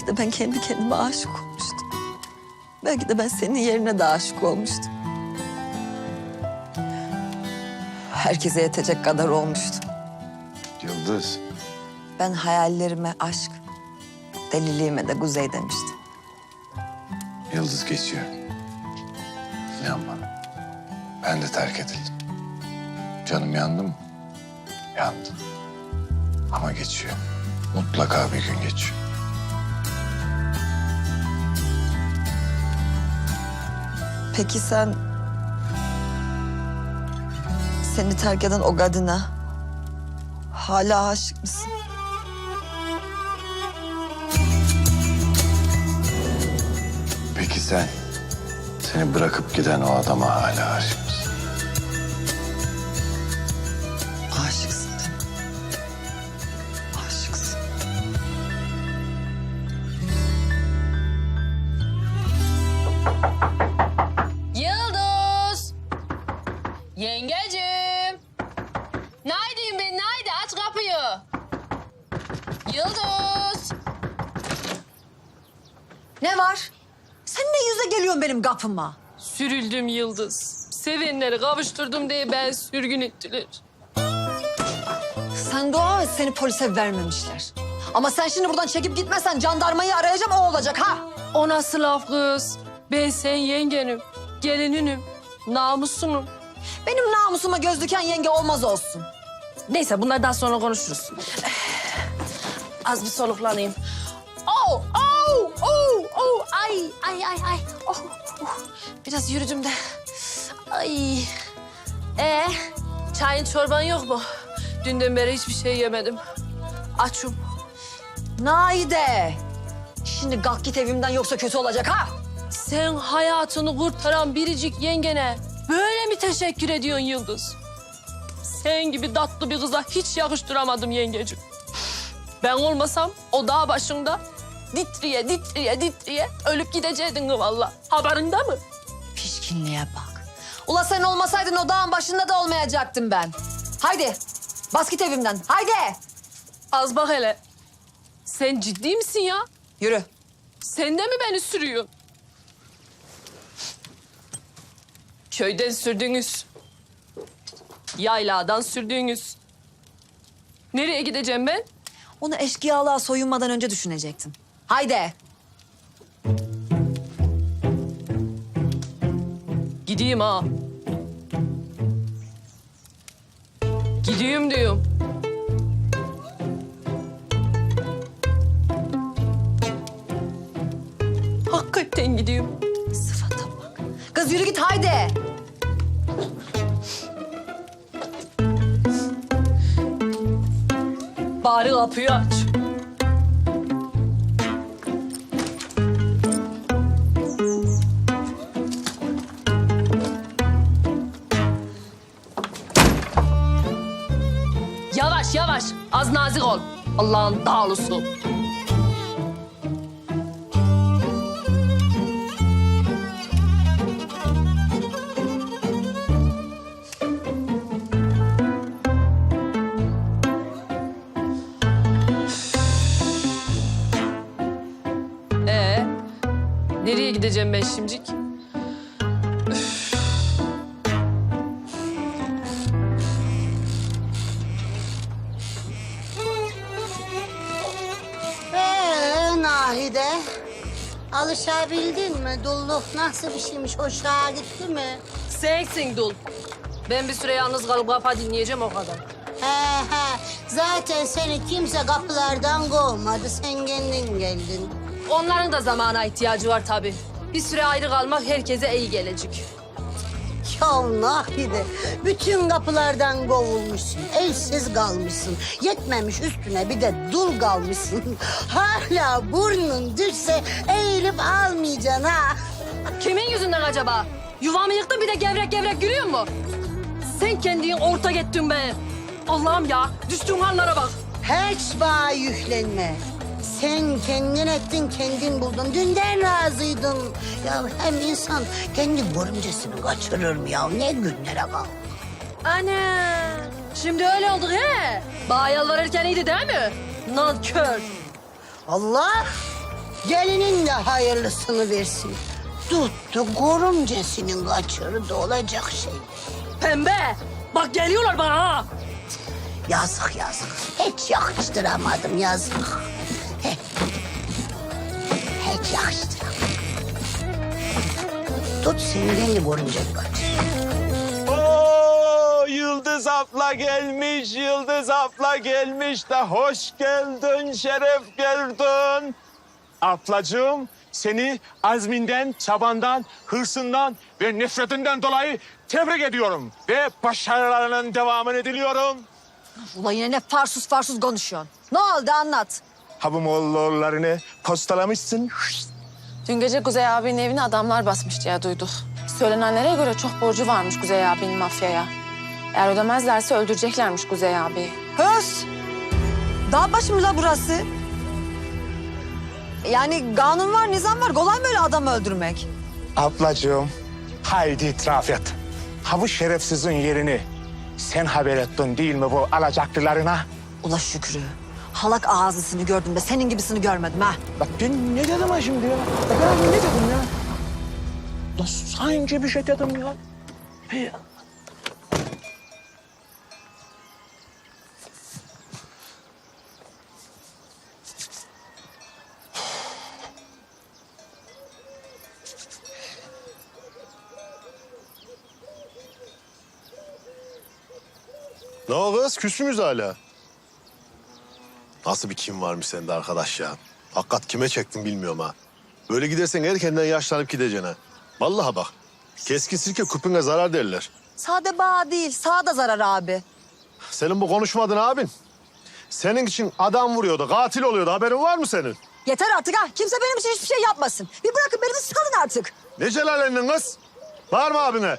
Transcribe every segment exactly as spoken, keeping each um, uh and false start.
Belki de ben kendi kendime aşık olmuştum. Belki de ben senin yerine de aşık olmuştum. Herkese yetecek kadar olmuştum. Yıldız. Ben hayallerime aşk, deliliğime de kuzey demiştim. Yıldız geçiyor. İnan bana. Ben de terk edildim. Canım yandı mı? Yandı. Ama geçiyor. Mutlaka bir gün geçiyor. Peki sen... seni terk eden o kadına hala aşık mısın? Peki sen seni bırakıp giden o adama hala aşık mısın? Aşıksın değil mi? Aşıksın. Yıldız! Yengecim! Neredeyim ben? Nerede? Aç kapıyı. Yıldız! Ne var? Sen ne yüze geliyorsun benim kapıma? Sürüldüm Yıldız. Sevenleri kavuşturdum diye ben sürgün ettiler. Sen dua et seni polise vermemişler. Ama sen şimdi buradan çekip gitmezsen jandarmayı arayacağım o olacak ha. O nasıl laf kız? Ben sen yengenim, gelininim, namusunum. Benim namusuma göz diken yenge olmaz olsun. Neyse bunlardan sonra konuşuruz. Az bir soluklanayım. Oh, oh, oh, oh, ay, ay, ay, ay. Oh, oh. Biraz yürüdüm de. Ay. Ee, çayın çorban yok mu? Dünden beri hiçbir şey yemedim. Açım. Naide. Şimdi kalk git evimden yoksa kötü olacak ha. Sen hayatını kurtaran biricik yengene böyle mi teşekkür ediyorsun Yıldız? Sen gibi tatlı bir kıza hiç yakıştıramadım yengeciğim. Ben olmasam o dağ başında ditriye ditriye ditriye ölüp gideceydin valla. Haberinde mi? Pişkinliğe bak. Ula sen olmasaydın o dağın başında da olmayacaktım ben. Haydi bas git evimden haydi. Az bak hele. Sen ciddi misin ya? Yürü. Sen de mi beni sürüyorsun? Köyden sürdüğünüz, yayladan sürdüğünüz. Nereye gideceğim ben? Onu eşkıyalığa soyunmadan önce düşünecektin. Haydi. Gideyim ha. Gideyim diyorum. Hakikaten gidiyorum. Sıfata bak. Kız yürü git haydi. Bari kapıyı aç. Yavaş yavaş. Az nazik ol. Allah'ın dağlısı. Ee, nereye gideceğim ben şimdilik? Ee, Nahide, alışabildin mi? Dulluk nasıl bir şeymiş, hoşuna gitti mi? Sensin dul. Ben bir süre yalnız kalıp kafa dinleyeceğim o kadar. He he, zaten seni kimse kapılardan kovmadı, sen kendin geldin. Onların da zamana ihtiyacı var tabii. Bir süre ayrı kalmak herkese iyi gelecek. Ya Nahide, bütün kapılardan kovulmuşsun, elsiz kalmışsın. Yetmemiş üstüne bir de dul kalmışsın. Hala burnun düşse eğilip almayacaksın ha. Kimin yüzünden acaba? Yuvamı yıktın bir de gevrek gevrek gülüyor mu? Sen kendin ortak ettin be. Allah'ım ya, düştüğün hallara bak. Hiç bana yüklenme. Sen kendin ettin, kendin buldun. Dünden razıydın. Ya hem insan kendi görümcesini kaçırır mı ya? Ne günlere kal. Ana, şimdi öyle olduk he. Bana yalvarırken iyiydi değil mi? Nankör. Allah Gelinin de hayırlısını versin. Tuttu görümcesinin kaçırdı olacak şey. Pembe, bak geliyorlar bana ha. Yazık yazık. Hiç yakıştıramadım yazık. He. Hiç yakıştıramadım. Tut senden de görümceni kaçır. Oo, Yıldız abla gelmiş, Yıldız abla gelmiş de hoş geldin, şeref geldin. Ablacığım, seni azminden, çabandan, hırsından ve nefretinden dolayı tebrik ediyorum. Ve başarılarının devamını diliyorum. Ula yine ne farsuz farsuz konuşuyorsun. Ne oldu anlat. Habumoğullarını postalamışsın. Dün gece Kuzey abinin evine adamlar basmış diye duyduk. Söylenenlere göre çok borcu varmış Kuzey abinin mafyaya. Eğer ödemezlerse öldüreceklermiş Kuzey abi. Höz. Dağ başı mı la burası? Yani kanun var, nizam var. Kolay mı öyle adam öldürmek? Ablacığım, haydi itiraf et. Ha bu şerefsizin yerini sen haber ettin değil mi bu alacaklılarına? Ula Şükrü. Halak ağzısını gördüm de senin gibisini görmedim ha. Bak ben ne dedim ha şimdi ya? Bak ben ne dedim ya? Da sanki bir şey dedim ya. Hey. Ne o kız? Küs müyüz hala? Nasıl bir kim varmış sende arkadaş ya? Hakikat kime çektin bilmiyorum ha. Böyle gidersen erkenden yaşlanıp gideceksin ha. Vallahi bak. Keskin sirke küpüne zarar derler. Sade bağ değil, sağ da zarar abi. Senin bu konuşmadın abin. Senin için adam vuruyordu, katil oluyordu. Haberin var mı senin? Yeter artık ha. Kimse benim için hiçbir şey yapmasın. Bir bırakın beni bir salın artık. Ne celalendin kız? Var mı abine?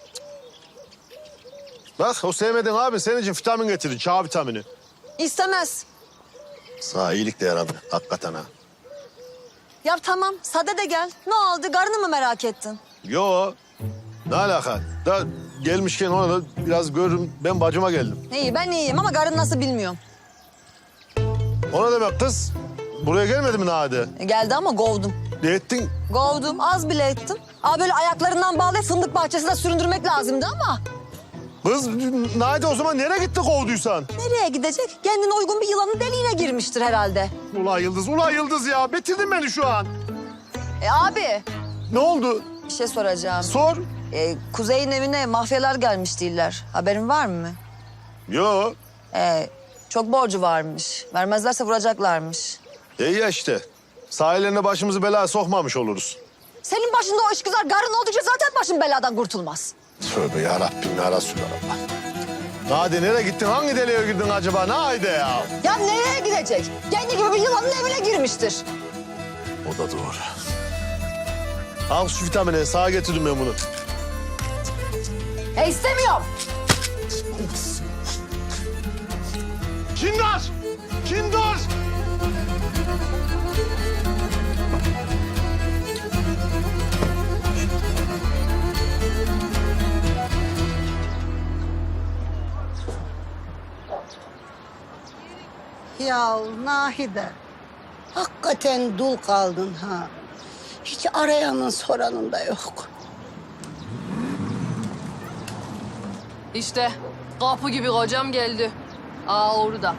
Bak o sevmediğin abin senin için vitamin getirir, çağ vitamini. İstemez. Sağ iyilik de yaradı hakikaten ha. Ya tamam, sade de gel. Ne oldu? Karını mı merak ettin? Yo, ne alaka? Da gelmişken ona da biraz görürüm. Ben bacıma geldim. İyi, ben iyiyim ama karın nasıl bilmiyorum. Ona demek kız. Buraya gelmedi mi Nade? E, geldi ama kovdum. Ne ettin? Kovdum, az bile ettim. Aa böyle ayaklarından bağlayıp fındık bahçesinde süründürmek lazımdı ama... Kız Nade o zaman nereye gitti kovduysan? Nereye gidecek? Kendine uygun bir yılanın deliğine girmiştir herhalde. Ula Yıldız, ula Yıldız ya. Bitirdin beni şu an. E abi, Ne oldu? bir şey soracağım. Sor. E, Kuzey'in evine mafyalar gelmiş değiller. Haberin var mı? Yo. E, çok borcu varmış. Vermezlerse vuracaklarmış. İyi ya işte. Sahillerine başımızı belaya sokmamış oluruz. Senin başında o işgüzar karın oldukça zaten başın beladan kurtulmaz. Tövbe yarabbim ya Resulallah. Nade nereye gittin? Hangi deliğe girdin acaba? Nade ya. Ya nereye gidecek? Kendi gibi bir yılanın evine girmiştir. O da doğru. Al şu vitamini. Sağa getirdim ben bunu. E istemiyorum. Kindar! Kindar! Ya Nahide, hakikaten dul kaldın ha. Hiç arayanın soranın da yok. İşte kapı gibi kocam geldi. Aa orada.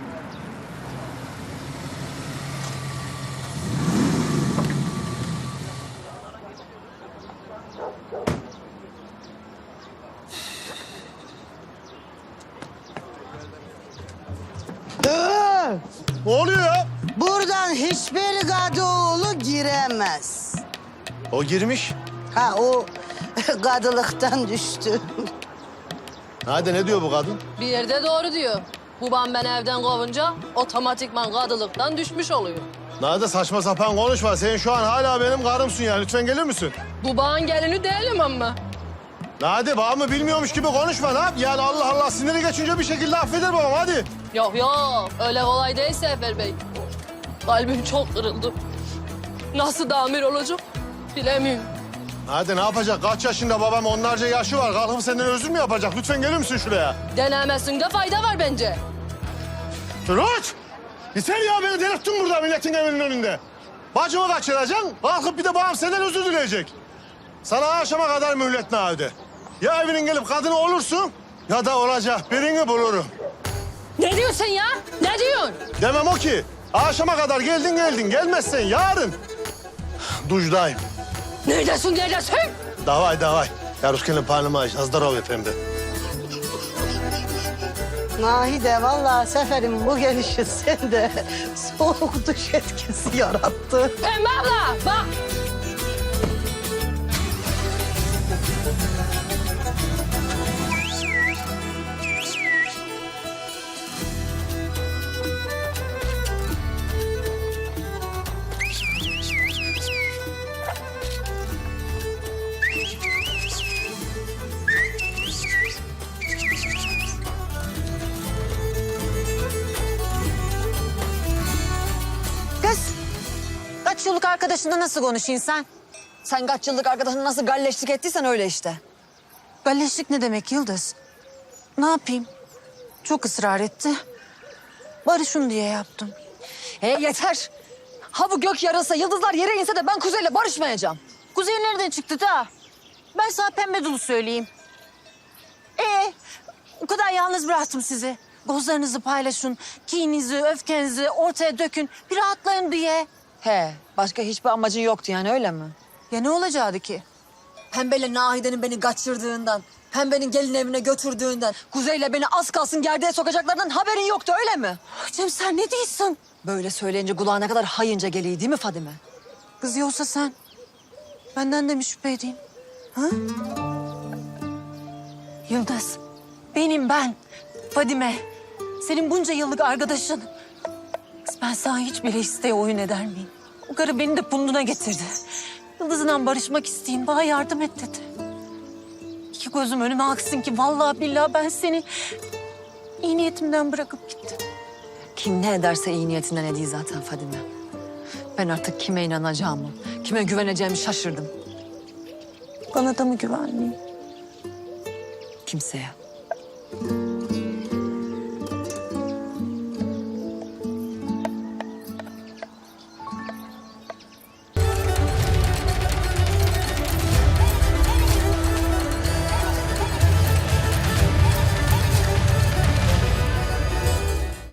Ne oluyor ya? Buradan hiçbir Kadıoğlu giremez. O girmiş. Ha o kadılıktan düştü. Nade ne diyor bu kadın? Bir yerde doğru diyor. Babam ben evden kovunca otomatikman kadılıktan düşmüş oluyor. Nade saçma sapan konuşma. Sen şu an hala benim karımsın ya. Lütfen gelir misin? Babağın gelini değilim ama. Nade bağımı bilmiyormuş gibi konuşma. Ne yap? Yani Allah Allah siniri geçince bir şekilde affeder babam hadi. Yok yok öyle kolay değil Sefer Bey. Kalbim çok kırıldı. Nasıl damir olacak bilemiyorum. Hadi ne yapacak? Kaç yaşında babam? Onlarca yaşı var. Kalkıp senden özür mü yapacak? Lütfen gelir misin şuraya? Denemesinde fayda var bence. Turut! Yeter ya beni delirttin burada milletin evinin önünde. Bacımı kaçıracaksın, kalkıp bir de babam senden özür dileyecek. Sana akşama kadar mühlet Nahide. Ya evinin gelip kadını olursun ya da olacak birini bulurum. Ne diyorsun ya? Ne diyorsun? Demem o ki, akşama kadar geldin geldin, gelmezsen yarın dujdayım. Neredesin, neredesin? Davay davay. Ya Rusken'le panımı aç, azdarov efendim de. Nahide vallahi Sefer'in bu gelişi sende soğuk duş etkisi yarattı. Pembe abla bak. Kız, kaç yıllık arkadaşınla nasıl konuşuyorsun sen? Sen kaç yıllık arkadaşınla nasıl galleşlik ettiysen öyle işte. Galleşlik ne demek Yıldız? Ne yapayım? Çok ısrar etti. Barışın diye yaptım. He yeter. Ha bu gök yarılsa, yıldızlar yere inse de ben Kuzey'le barışmayacağım. Kuzey nereden çıktı da? Ben sana pembe dolu söyleyeyim. Ee, o kadar yalnız bıraktım sizi. Gozlarınızı paylaşın, kininizi, öfkenizi ortaya dökün. Bir rahatlayın diye. He, başka hiçbir amacın yoktu yani öyle mi? Ya ne olacaktı ki? Pembeyle Nahide'nin beni kaçırdığından, Pembe'nin gelin evine götürdüğünden, Kuzey'le beni az kalsın gerdeğe sokacaklarından haberin yoktu öyle mi? Hocam sen ne diyorsun? Böyle söyleyince kulağına kadar hayınca geliyor değil mi Fadime? Kız yoksa sen benden de mi şüphe edeyim? Ha? Yıldız, benim ben, Fadime. Senin bunca yıllık arkadaşın. Kız ben sana hiç bile isteye oyun eder miyim? O karı beni de bunduna getirdi. Yıldız'la barışmak isteyeyim, bana yardım et dedi. İki gözüm önüme aksın ki vallahi billahi ben seni iyi niyetimden bırakıp gittim. Kim ne ederse iyi niyetinden ediyor zaten Fadime. Ben artık kime inanacağımı, kime güveneceğimi şaşırdım. Bana da mı güvenmeyeyim? Kimseye.